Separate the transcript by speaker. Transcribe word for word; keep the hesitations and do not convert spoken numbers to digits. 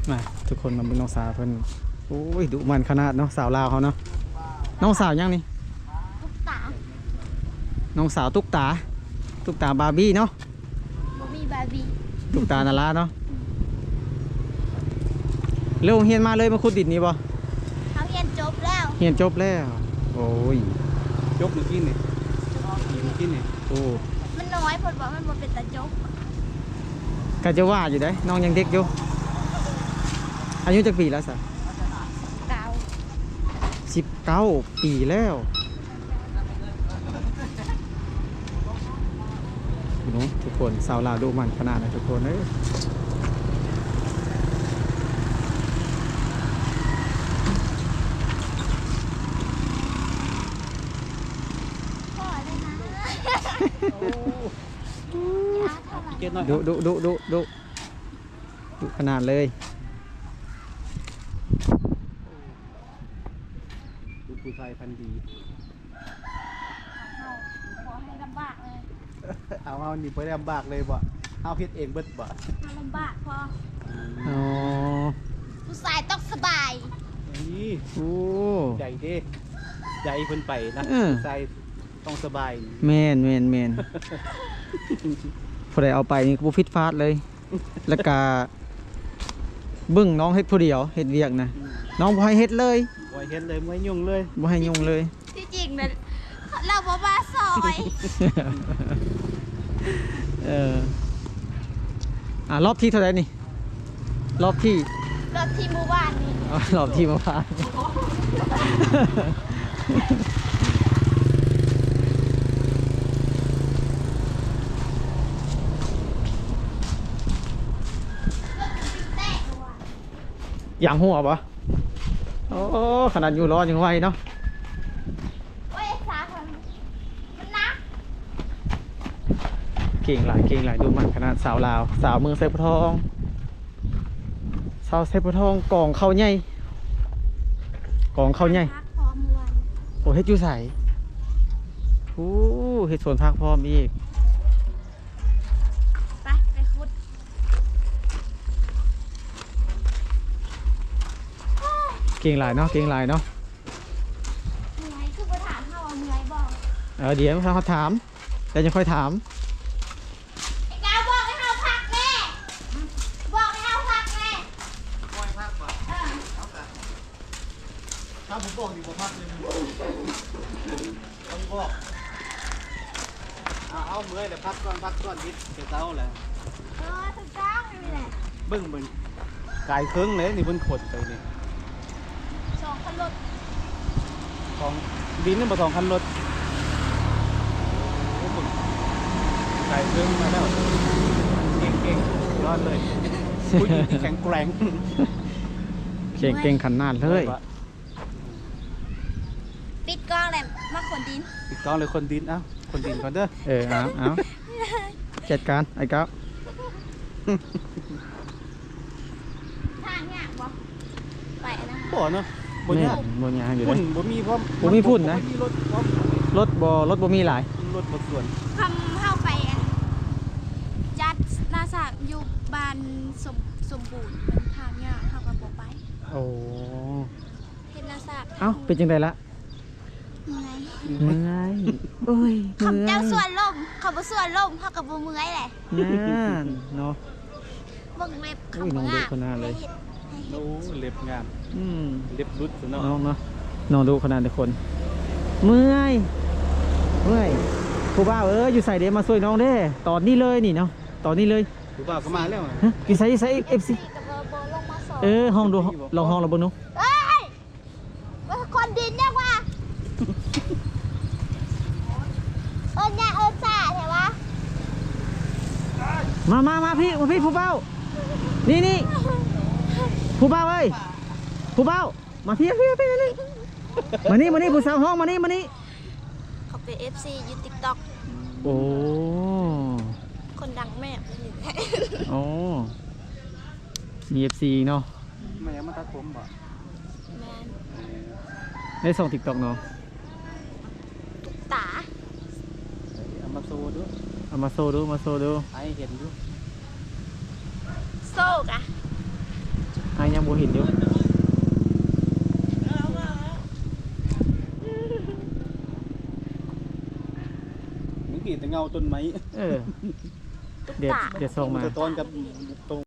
Speaker 1: มาทุกคนมาเป็นน้องสาวเพิ่นโอ้ยดุมันขนาดเนาะสาวลาวเขาเนาะน้องสาวยังนี่
Speaker 2: ตุ๊กตา
Speaker 1: น้องสาวตุ๊กตาตุ๊กตาบาร์บี้เนาะ
Speaker 2: บ่มีบาร์บี้
Speaker 1: ตุ๊กตานาราเนาะเร็วเฮียนมาเลยมาขุดดินนี่บ่
Speaker 2: เขาเรียนจบแล้ว
Speaker 1: เฮียนจบแล้วโอ้ย
Speaker 3: จบหรือกินนี่กินนี่
Speaker 1: โอ้
Speaker 2: มันน้อยเพิ่นบอกมันบ่เป็นตาจบ
Speaker 1: ก็จะว่าอยู่ได้น้องยังเด็กอยู่อายุจักปีแล้วสะ
Speaker 2: เก่า
Speaker 1: สิบเก้าปีแล้วเนาะทุกคนสาวลาวดูมันขนาดนะทุกคนเอ้ย
Speaker 2: พ่อเลยนะยาเท่าไหร่
Speaker 3: เกณฑ์น้อย
Speaker 1: ดุดุดุดุดุดุขนาดเลย
Speaker 3: ดูผู้ชายพันดี
Speaker 2: เอาขอให้ลำบากเลย
Speaker 3: เอาเอานี่ไปลำบากเลยบ่เอาเฮ็ดเองเบิดบ่
Speaker 2: ถ้าลำบากพอ
Speaker 1: อ๋อ
Speaker 2: ผู้ชายต้องสบาย
Speaker 3: นี่
Speaker 1: โอ้
Speaker 3: ใจเด้ใจเพิ่นไปนะ
Speaker 1: เออ
Speaker 3: ใจต้องสบาย
Speaker 1: แมนแมนแมนพอได้เอาไปนี่ก็บ่ฟิตฟาดเลย แล้วก็เบึ้งน้องเฮ็ดผู้เดียวเฮ็ดเวียกนะน้องบ่ให้เฮ็ดเลย
Speaker 3: ไว้เฮ็ดเลยไม่ยุ่งเลย
Speaker 1: บ่ให้ยุ่งเลย
Speaker 2: ที่จริงนะเราบ่มาซอย
Speaker 1: เอออ่ารอบที่เท่าไหร่นี่ รอบที่
Speaker 2: รถที่หมู่บ้านนี่
Speaker 1: อ๋อรอบที่มาพร้านอย่างหัวปะโอ้ขนาดอยู่ร้อนยังไหวเนาะ
Speaker 2: โอ้ยสาคนมันนัก
Speaker 1: เก่งหลายเก่งหลายดูมันขนาดสาวลาว สาวเมืองไซปทอง สาวไซปทองกองเข้าใหญ่กองเข้าใหญ่
Speaker 2: พักพร้อมวัน
Speaker 1: โอ้เฮ็ดอยู่ใสโอ้เฮ็ดสวนผักพร้อมอีก
Speaker 2: ไปไปคุด
Speaker 1: เก่งหลายเนาะเก่งหลายเนาะ
Speaker 2: เหนื่อยคือบ่ถามเขาว่าเหนื่อยบ่
Speaker 1: เออเดี๋ยวเขาถามแต่ยังค่อยถาม
Speaker 2: ไอ้กาวบอกให้เขาพักแม่บอกให้เขาพักแม่
Speaker 3: ปล่อยพักบ่
Speaker 2: เออ
Speaker 3: ถ้าผมบอกนี่บ่พักเลยต้องบอกเอาเอาเมื่อยแล้วพักก่อนพักก่อนนิดเดี๋ยวเช้าแหละ
Speaker 2: เออถูกต้องนี่แหละ
Speaker 3: เบิ่งเบิ่งกายเครื่องเลยนี่เพิ่นขดไปนี่
Speaker 2: สองคันรถ
Speaker 3: ของดินนี่บ่สองคันรถโอ้เบิ่งกายเครื่องมาแล้วเก่งๆยอดเลยผู้หญิงที่แข็งแกร่ง
Speaker 1: เก่งเก่งขนาดเลย
Speaker 2: ปิดกล้องเลยมาขนดิน
Speaker 3: ติดกล้องเลยคนดินเอ้าคนดินก่อนเด้อ
Speaker 1: เออเอาเอาจัดการไอ้ก้าว
Speaker 2: ทางเนี่ยบ่ไปนะ
Speaker 3: บ่เนาะบ่
Speaker 1: นี่
Speaker 3: ยาก
Speaker 1: บนยางอยู่เล
Speaker 3: พุ่น
Speaker 1: ย
Speaker 3: บ่มีพร้อม
Speaker 1: บ่มีพุ่นนะ
Speaker 3: บ่มีรถพร้อม
Speaker 1: รถบอรถบ่มีหลาย
Speaker 3: รถบ่ส่วน
Speaker 2: คำเข้าไปอันจัดหนาสากอยู่บ้านสมสมบูรณ์เป็นทางเนี่ยเข้ากับบ่ไป
Speaker 1: โอ้
Speaker 2: เห็นหนาสาก
Speaker 1: เอ้าเป็นจังไดละ
Speaker 2: เมื่อย
Speaker 1: เมื่อยโอ้ยเมื่อย
Speaker 2: คำเจ้าส่วนลมเขาบ่ส่วนลมเขากับบ่เมื่อยแหละ
Speaker 1: นั่นเนาะ
Speaker 2: เบิ่งเล็บเขา
Speaker 1: อุ้ยน้
Speaker 2: บ่
Speaker 1: อง
Speaker 2: งาม
Speaker 1: ดูคนหน้าเลย
Speaker 2: ให้ฮ็ดให้เฮ็
Speaker 3: โอ้
Speaker 2: ด
Speaker 3: เล็บงาม
Speaker 1: อืม
Speaker 3: เล็บรุดซะเนาะ
Speaker 1: น้องเนาะน้องดูขนาดทุกคน เมื่อยเมื่อยครูบ้าวเอออยู่ใส่เดมาช่วยน้องเด้ตอนนี้เลยนี่เนาะตอนนี้เลย
Speaker 3: ผู้บ่าวก็มาแล้วอะ
Speaker 1: ฮะอยู่ใส่อยู่ใส่เอฟซี
Speaker 2: กับบ่บ่ลงมาสอน
Speaker 1: เออห้องดูลองห้องเราเบิ่งดู
Speaker 2: เอ้ยว่าคนดินเนี่ยว่าเอิ้นยาเอิ้นซ่าใช่ปะ
Speaker 1: มามามาพี่มาพี่ผู้เบ้านี่นี่ผู้เบ้าเอ้ยผู้เบ้ามาพี่พี่พี่นี่มานี่มานี่ผู้สาวห้องมานี่มานี่
Speaker 2: เขาเป็น เอฟ ซี อยู่ TikTok
Speaker 1: โอ้
Speaker 2: คนดังแม่นี่แหละ
Speaker 1: โอ้มีเอฟซีเนาะ
Speaker 3: แม่มาตัดผมบ่
Speaker 2: แมน
Speaker 1: ได้ส่งติ๊กต็อกเนาะ
Speaker 2: ตา
Speaker 3: เอามาโซดู
Speaker 1: เอามาโซดูมาโซดู
Speaker 3: ให้เห็นดู
Speaker 2: โซกอะ
Speaker 1: อหายังบ่เห็นอยู่
Speaker 3: มึงกี่แต่เงาต้นไม้
Speaker 1: เออ เดี๋ยวเดี๋ยวส่งมา
Speaker 3: สะท้อนกับตรง